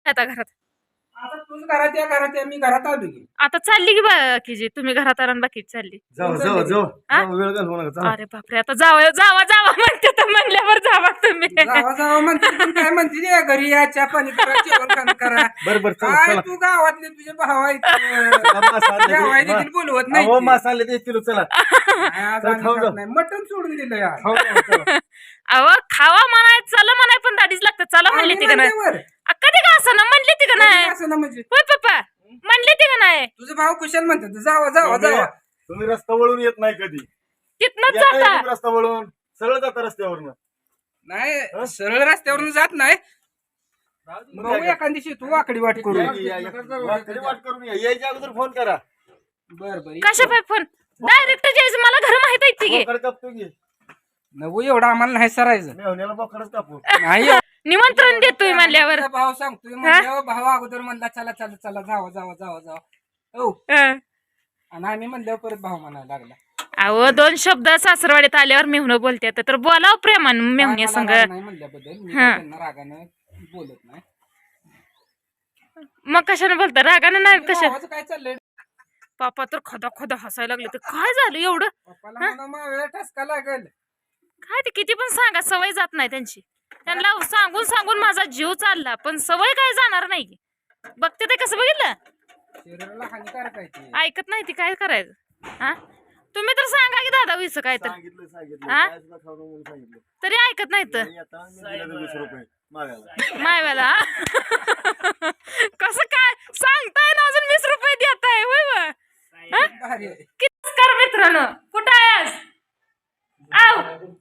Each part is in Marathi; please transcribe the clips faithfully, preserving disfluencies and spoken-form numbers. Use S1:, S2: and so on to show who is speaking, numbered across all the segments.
S1: आता घरात
S2: आता तूच घरात या घरात या मी घरात आलो की
S1: आता चालली की बाकीची तुम्ही घरात आला बाकी चालली
S3: जाऊ जाऊ जाऊ
S1: हा?
S3: जाऊ, वेळ घालवू नका चला.
S1: अरे बापरे आता जावा जावा जावा म्हणते तर म्हणल्यावर जावा तुम्ही
S2: जावा जावा म्हणते पण काय म्हणते रे घरी या चहा पाणी करा जेवण खाणं करा
S3: बरं बरं चला
S2: काय
S3: चला
S2: तू गावातले तुझे भाव आहेत
S3: चला, मास आणले ते.
S2: गावाय देखील बोलवत नाही
S3: अहो
S2: ते.
S3: मास आणले ते किलो चला
S2: आज
S3: चला,
S2: आम्ही
S3: खाऊ
S2: खात
S3: जाऊ.
S2: नाही मटण सोडून दिलं यार
S3: खाऊ जाऊ, चला.
S1: अहो खावा म्हणाय चला म्हणाय पण दाढीच लागतं चला म्हणली ती का नाही
S2: म्हणल्यावर.
S1: अ, कधी का असं ना म्हणली ती का नाही
S2: असं ना म्हणजे
S1: होय पप्पा म्हणली ती का नाही
S2: तुझे भाव कुशल म्हणतात जावा जावा
S3: तुम्ही
S2: जावा
S3: तुम्ही रस्ता वळून येत नाही कधी
S1: तिथनच
S3: येता
S1: जाता
S3: येतो रस्ता वळून सरळ जाता रस्त्यावरनं
S2: नाही सरळ रस्त्यावरून जात नाही
S3: मग
S2: भाऊ
S3: काय
S2: एखाद दिवशी तू वाकडी वाट करू
S3: या, या, या. वाटकरी वाट करून या यायच्या अगोदर फोन करा
S2: बर बर
S1: कशा पाय फोन डायरेक्ट जायचं मला घर माहित आहे ती
S3: बोकड कापतो की
S2: नवू एवढं आम्हाला नाही सरायचं
S3: मेहण्याला बोकडच कापू
S2: नाही
S1: निमंत्रण देतोय म्हणल्यावर
S2: तुझा भाव सांगतोय म्हणल्यावर भाव अगोदर म्हणला चला चला चला जावा जावा जावा जावा हो
S1: हं.
S2: आणि आम्ही म्हणल्यावर परत भाव म्हणायला लागला
S1: अहो दोन शब्द सासरवाडीत आल्यावर मेहुणं बोलते तर बोलाव प्रेमान मेहुण्या
S2: मला
S1: संग
S2: राग नाही म्हणल्याबद्दल मी
S1: हा.
S2: त्यांना रागानं बोलत नाही
S1: मग कशाने बोलता रागानं नाही कशा
S2: भावाचं काय चाललंय
S1: पापा तर खदा खदा हसायला लागले तर काय झालं एवढं
S2: पप्पाला म्हणा मावेळा ठसका लागेल
S1: काय ते किती पण सांगा सवय जात नाही त्यांची त्यांना सांगून सांगून माझा जीव चालला पण सवय काय जाणार नाही बघते ते कसं बघितलं
S2: शरीराला हानिकारक आहे ते
S1: ऐकत नाही ती काय करायचं हा तुम्ही तर सांगा की दादा विस काय तर
S3: सांगितलं सांगितलं
S1: हा?
S3: काय सुद्धा खाऊ नको म्हणून सांगितलं
S1: तरी ऐकत नाही तर
S3: आणि आता मी दिलं वीस रुपये मागायला
S1: मायवाला कसं काय सांगताय ना अजून वीस रुपये देताय होय बा? हा?
S2: भारी आहे.
S1: किती कर मित्रांनो कुठं आहेस आव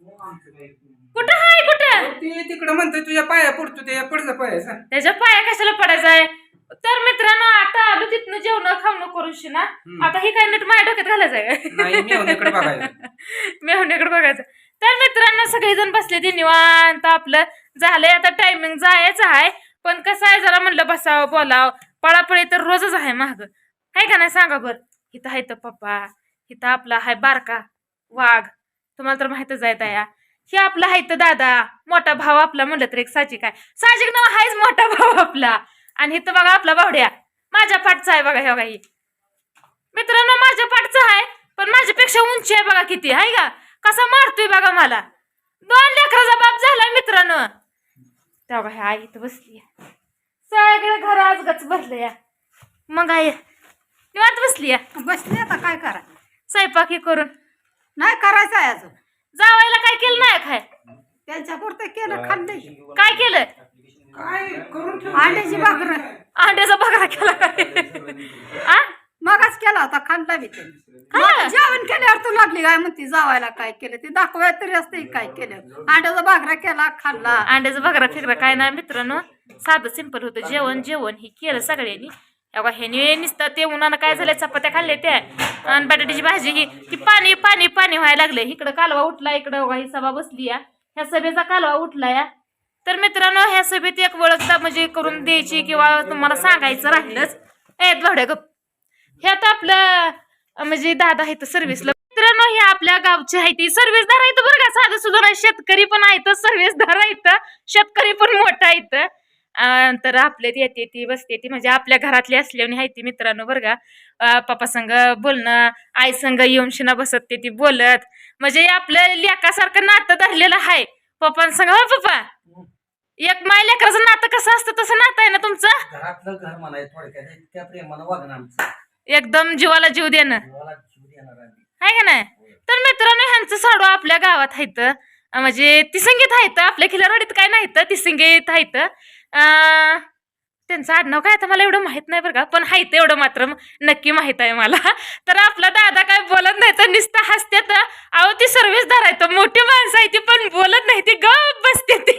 S1: कुठं हाय कुठं
S2: ते तिकडं म्हणतोय तुझ्या पाया पडतो ते पुढचा पाया सांग
S1: त्याच्या पाया कशाला पडायचाय तर मित्रांनो आता आलो तिथनं जेवण खावणं करूशी ना आता हे काय नीट माझ्या डोक्यात घालायचंय
S2: नाही मेवण्याकडे बघायचं
S1: मेहुण्याकडे बघायचं तर मित्रांनो सगळेजण बसले ते निवांत आपलं झालंय आता टायमिंग जायचं आहे पण कसं आहे जरा म्हणलं बसावं बोलावं पळापळी तर रोजच आहे महाग आहे का नाही सांगा बरं इथं आहे तर पप्पा इथं आपला आहे बारका वाघ तुम्हाला तर माहितच आहे तया हे आपला आहे तर दादा मोठा भाव आपला म्हणलं तर एक साजिक आहे साजिक नाव आहेच मोठा भाव आपला आणि इथं बघा आपला बावड्या माझ्या पाठचा आहे बघा हे बघा ही मित्रांनो माझ्या पाठचा आहे पण माझ्यापेक्षा उंची आहे बघा किती आहे का कसा मारतोय बघा मला दोन लेकराचा बाप झालाय मित्रांनो त्या बघा आई इथं बसली सगळं घर आज गच भरलं या मग आई निवांत बसली या
S4: बसले आता काय करा
S1: स्वयंपाकी करून
S4: नाही करायचं आहे अजून
S1: जावायला काय केलं नाही खाय
S4: त्यांच्या पुरतं केलं खाल्लं
S1: काय केलं
S2: काय करून ठेव
S4: अंड्याची भाकर
S1: अंड्याचा बघा केला काय आ?
S4: मगाच केला होता खाल्ला बी त्यांनी
S1: काय?
S4: मग जेवण केल्यावर तू लागली काय म्हणते जावायला काय केलं ते दाखवाय तरी असते काय केलं अंड्याचा भाकरा केला खाल्ला
S1: अंड्याचा बघा फिकरा काय नाही मित्रांनो साधं सिंपल होतं जेवण जेवण हे केलं सगळ्यांनी अगं ह्याने नुसतं ते उन्हानं काय झालं चपात्या खाल्ल्या त्या आणि बटाट्याची भाजी ही की पाणी पाणी पाणी व्हायला लागले इकडं कालवा उठला इकडं ही सभा बसली या ह्या सभेचा कालवा उठला या तर मित्रांनो ह्या सभेत एक ओळखता म्हणजे करून द्यायची किंवा तुम्हाला सांगायचं राहिलंच ए भावड्या गप ह्यात आपलं म्हणजे दादा आहे तर सर्व्हिसला मित्रांनो हे आपल्या गावची आहे ती सर्व्हिसदार आहेत बरं का साधं सुद्धा नाही शेतकरी पण आहेत सर्व्हिसदार आहेत शेतकरी पण मोठा आहेत तर आपल्यात येते ती बसते ती म्हणजे आपल्या घरातली असल्याने आहे ती मित्रांनो बरं का पप्पा संग बोलणं आई संग येऊन शिना बसत ते ती बोलत म्हणजे आपलं लेकासारखं नातं धरलेलं आहे पप्पांसंग हो पप्पा एक माय लेकराचं नातं कसं असतं तसं नातं आहे ना तुमचं
S5: घरातलं घर म्हणा थोडक्यात इतक्या प्रेमानं वागणं आमचं
S1: एकदम जीवाला जीव देणं
S5: जीवाला जीव देणार आम्ही
S1: आहे का नाही तर मित्रांनो ह्यांचं साडू आपल्या गावात आहेत म्हणजे तिसंगीत आहेत आपल्या खिलारवाडीत काय नाही तर तिसंगीत आहेत त्यांचं आडनाव काय आता मला एवढं माहित नाही बरं का पण हायत एवढं मात्र नक्की माहित आहे मला तर आपला दादा काय बोलत नाही तर नुसतं हसते तर अहो ती सर्व्हिसदार आहे तर मोठी माणसं आहे ती पण बोलत नाही ती गप बसते ती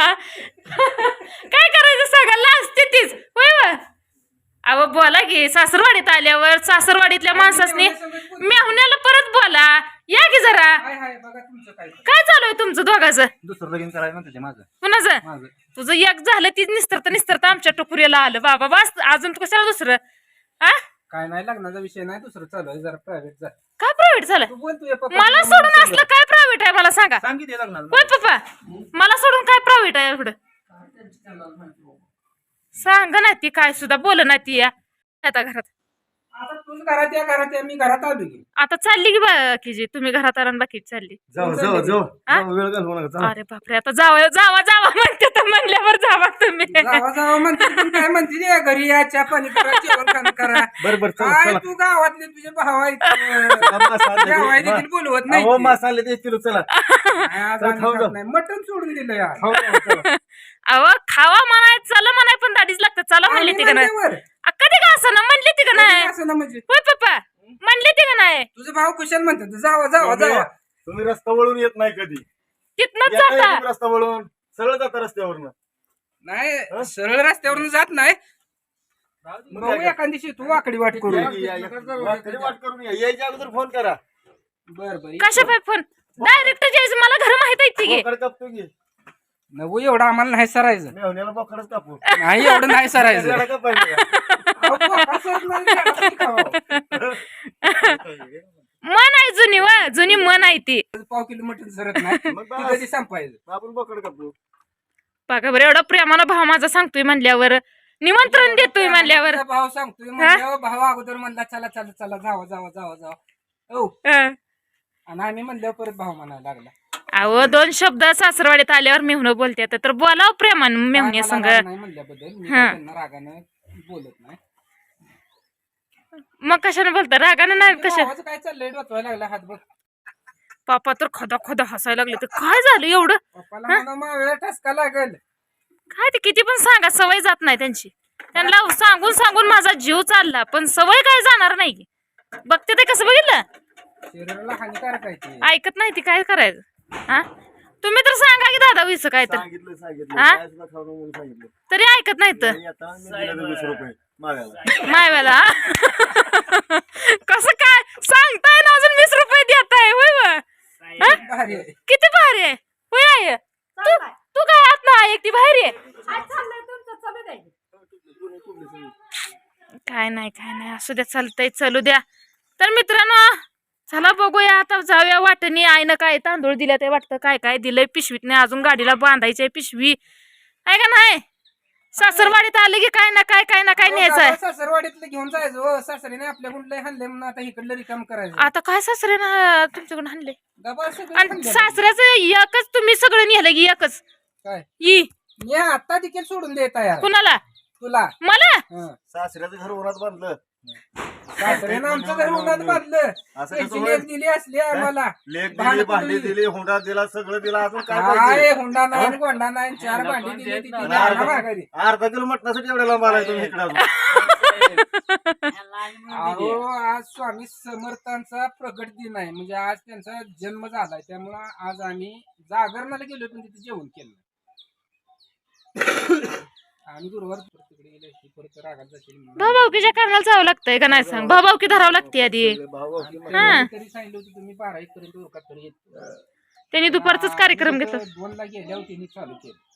S1: काय करायचं सगळ्याला असते तीच होय वा अहो बोला की सासरवाडीत आल्यावर सासरवाडीतल्या माणसासनी मेहुण्याला परत बोला या की जरा
S2: हाय हाय बघा तुमचं काय
S1: काय चालू आहे तुमचं दोघाचं
S3: दुसरं लगीन करायचं म्हणते ते माझं
S1: कुणाचं
S3: माझं
S1: तुझं एक झालं तीच निस्तरता निस्तरता आमच्या टोकुरीला आलं बाबा बस अजून तू कशाला दुसरं आ
S2: काय नाही लग्नाचा विषय नाही दुसरं चालू आहे जरा प्रायव्हेट जा
S1: काय प्रायव्हेट झालं
S2: तू बोल तुझ्या पप्पा
S1: मला सोडून असलं काय प्रायव्हेट आहे मला सांगा
S3: सांगितलं लग्नाला
S1: होय पप्पा मला सोडून काय प्रायव्हेट आहे एवढं सांग ना ती काय सुद्धा बोल ना ती या आता घरात
S2: आता तूच घरात या घरात या मी घरात आलो की
S1: आता चालली की बाकीची तुम्ही घरात आला आणि बाकीची चालली
S3: जाऊ जाऊ जाऊ
S1: हा?
S3: जाऊ, वेळ घालवू नका जाऊ.
S1: अरे बापरे आता जावा जावा जावा म्हणते तर म्हणल्यावर जावा तुम्ही
S2: जावा जावा म्हणते पण काय म्हणते रे घरी या चहा पाणी करा जेवण खाणं करा
S3: बरं बरं चला
S2: काय
S3: चला
S2: तू गावातले तुझे भाव आहेत
S3: चला, मास आणले ते-
S2: गावाय देखील बोलवत नाही
S3: अहो
S2: ते.
S3: मास आणले ते एक किलो चला
S2: काय आज
S3: चला,
S2: आम्ही
S3: खाऊ
S2: खात
S3: जाऊ.
S2: नाही मटण सोडून दिलं यार
S3: खाऊ जाऊ, चला.
S1: अहो खावा म्हणाय चला म्हणाय पण दाढीच लागतं चला म्हणली ती का नाही
S2: म्हणल्यावर.
S1: अ, कधी का असं ना म्हणली ती का नाही
S2: असं ना म्हणजे
S1: होय पप्पा म्हणली ती का नाही
S2: तुझं भाव कुशल म्हणतात जावा जावा जावा
S3: तुम्ही रस्ता वळून येत नाही कधी
S1: तिथनच
S3: येताय
S1: जाता
S3: तुम्ही रस्ता वळून सरळ जाता रस्त्यावरनं
S2: नाही सरळ रस्त्यावरून जात नाही भाऊ एखाद दिवशी तू वाकडी वाट करू
S3: या, या, या. वाट- वाट करून या. यायच्या अगोदर फोन करा
S2: बर बर
S1: कशा पाय फोन डायरेक्ट जायचं मला घर माहित आहे ती
S3: बोकड कापतो की
S2: नवू एवढं आम्हाला नाही सरायचं
S3: मेहण्याला बोकडच कापू
S2: नाही एवढं नाही सरायचं
S3: त्याला कापायचं का?
S2: अहो, बोका सरत नाही, त्याला किती खावं?
S1: मन आहे जुनी व जुनी मन आहे ती
S2: पाव किलो मटण सरत नाही
S3: मग
S2: ती
S3: बस.
S2: कधी संपायचं
S3: आपण बोकड कापू
S1: बघा बरं एवढा प्रेमानं भाव माझा सांगतोय म्हणल्यावर निमंत्रण देतोय म्हणल्यावर
S2: तुझा भाव सांगतोय म्हणल्यावर भाव अगोदर म्हणला चला चला चला जावा जावा जावा जावा हो
S1: हं.
S2: आणि आम्ही म्हणल्यावर परत भाव म्हणायला लागला
S1: अहो दोन शब्द सासरवाडीत आल्यावर मेहुणं बोलते तर बोलाव प्रेमान मेहुणे
S2: मला
S1: संग
S2: राग नाही म्हणल्याबद्दल मी
S1: हा.
S2: त्यांना रागानं बोलत नाही
S1: मग कशाने बोलता रागानं नाही कशा
S2: भावाचं काय चाललंय डोचवायला लागला हात बघ
S1: पापा तर खदा खदा हसायला लागले तर काय झालं एवढं
S2: पप्पाला म्हणा मावेळा ठसका लागल
S1: काय ते किती पण सांगा सवय जात नाही त्यांची त्यांना सांगून सांगून माझा जीव चालला पण सवय काय जाणार नाही बघते ते कसं बघितलं
S2: शरीराला हानिकारक आहे ते
S1: ऐकत नाही ती काय करायचं हा तुम्ही तर सांगा की दादा विस काय तर
S3: सांगितलं सांगितलं
S1: हा?
S3: काय सुद्धा खाऊ नको म्हणून सांगितलं
S1: तरी ऐकत नाही तर
S3: आणि आता मी दिले वीस रुपये मागायला
S1: मायवाला कसं काय सांगताय ना अजून वीस रुपये देताय होय व? हा?
S2: भारी आहे
S1: किती भारी आहे होय आहे तू तू काय आत ना एकटी बाहेर आहे
S4: काय चाललंय तुमचं चालू द्या
S1: काय नाही काय नाही असू द्या चालतंय चलू द्या तर मित्रांनो चला बघूया आता जाऊया वाटणी आईनं काय तांदूळ दिल्या ते वाटतं काय काय दिलंय पिशवीत नाही अजून गाडीला बांधायचंय पिशवी आहे का नाही सासरवाडीत आले की काय ना काय काय ना काय न्यायचंय
S2: सासरवाडीतलं घेऊन जायचं हो सासरीने आपल्याकडून लय हाणले म्हणून आता इकडलं रिकाम करायचं
S1: आता काय सासरे ना तुमच्याकडून आणले
S2: डबा सगळं
S1: आणि
S2: हाणलं.
S1: सासऱ्याचं एकच तुम्ही सगळं नेलं की एकच
S2: काय
S1: ई
S2: मी आता देखील सोडून देत यार
S1: कुणाला
S2: तुला
S1: मला
S2: हं.
S3: सासऱ्याचं घर उन्हात बांधलं
S2: सासऱ्यानं आमचं घर उन्हात बांधलं
S3: असं
S2: त्याची
S3: कसं
S2: लेक दिली असली आम्हाला
S3: लेख दिली
S2: भांडी
S3: भांडी
S2: दिली.
S3: दिली हुंडा दिला सगळं दिला अजून काय
S2: काय
S3: पाहिजे
S2: हुंडा नाही गोंडा नाही चार भांडी दिली ती तिने
S3: आणि
S2: आणा
S3: अर्धा
S2: माघारी.
S3: अर्धा किलो मटणासाठी एवढ्या लांब आलाय तुम्ही इकडे अजून.
S2: अहो आज स्वामी समर्थांचा प्रगट दिन आहे म्हणजे आज त्यांचा जन्म झालाय त्यामुळं आज आम्ही जागरणाला गेलो पण तिथे जेवण केलं आणि गुरुवार तिकडे गेले की परत रागात जाशील म्हणून.
S1: भाऊभाऊकीच्या कारणाला जावं लागतंय का नाही सांग भाऊभाऊकी धरावं लागते आधी
S3: भाऊ
S2: आणि
S1: हा.
S2: पहिल्यांदा तरी सांगितलं होतं तुम्ही बारा एक पर्यंत उरकात तरी येत
S1: त्यांनी दुपारचाच कार्यक्रम घेतला
S2: दोन ला गेल्यावर त्यांनी चालू केलं